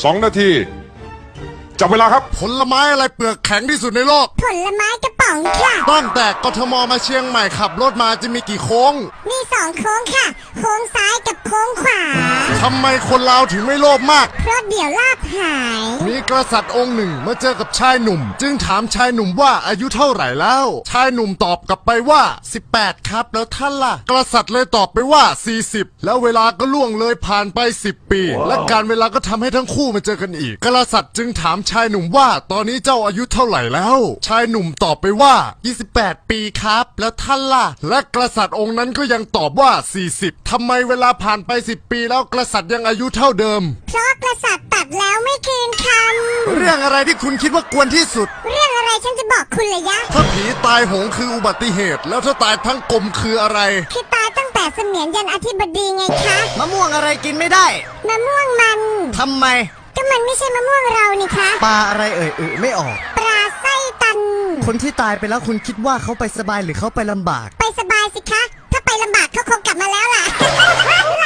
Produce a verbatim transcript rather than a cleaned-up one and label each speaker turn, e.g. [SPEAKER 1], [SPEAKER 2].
[SPEAKER 1] สองนาทีจับเวลาครับ
[SPEAKER 2] ผลไม้อะไรเปลือกแข็งที่สุดในโลก
[SPEAKER 3] ผลไม้กระป๋องค่ะ
[SPEAKER 2] ตั้งแต่กทมมาเชียงใหม่ขับรถมาจะมีกี่โค้ง
[SPEAKER 3] มีสองโค้งค่ะโค้งซ้ายกับโค้งขวา
[SPEAKER 2] ทำไมคนลาวถึงไม่โลภมาก
[SPEAKER 3] เพราะเดี๋ยวลาบหาย
[SPEAKER 2] มีกษัตริย์องค์หนึ่งมาเจอกับชายหนุ่มจึงถามชายหนุ่มว่าอายุเท่าไหร่แล้วชายหนุ่มตอบกลับไปว่าสิบแปดครับแล้วท่านล่ะกษัตริย์เลยตอบไปว่าสี่สิบแล้วเวลาก็ล่วงเลยผ่านไปสิบปี และการเวลาก็ทำให้ทั้งคู่มาเจอกันอีกกษัตริย์จึงถามชายหนุ่มว่าตอนนี้เจ้าอายุเท่าไหร่แล้วชายหนุ่มตอบไปว่ายี่สิบแปดปีครับแล้วท่านล่ะและกษัตริย์องค์นั้นก็ยังตอบว่าสี่สิบทำไมเวลาผ่านไปสิบปีแล้วกษัตริย์ยังอายุเท่าเดิม
[SPEAKER 3] เพราะกษัตริย์ตัดแล้วไม่คืนค
[SPEAKER 2] ำเรื่องอะไรที่คุณคิดว่ากวนที่สุด
[SPEAKER 3] เรื่องอะไรฉันจะบอกคุณเลยยะ
[SPEAKER 2] ถ้าผีตายโหงคืออุบัติเหตุแล้วถ้าตายทั้งกลมคืออะไร
[SPEAKER 3] คือตายตั้งแต่เสมียนยันอธิบดีไงคะ
[SPEAKER 2] มะม่วงอะไรกินไม่ได้
[SPEAKER 3] มะม่วงมัน
[SPEAKER 2] ทำไม
[SPEAKER 3] ก็มันไม่ใช่มะม่วงเรานี่คะ
[SPEAKER 2] ปลาอะไรเอ่ยเอ่ยไม่ออก
[SPEAKER 3] ปลาไส้ตัน
[SPEAKER 2] คนที่ตายไปแล้วคุณคิดว่าเขาไปสบายหรือเขาไปลำบาก
[SPEAKER 3] ไปสบายสิคะถ้าไปลำบากเขาคงกลับมาแล้วล่ะ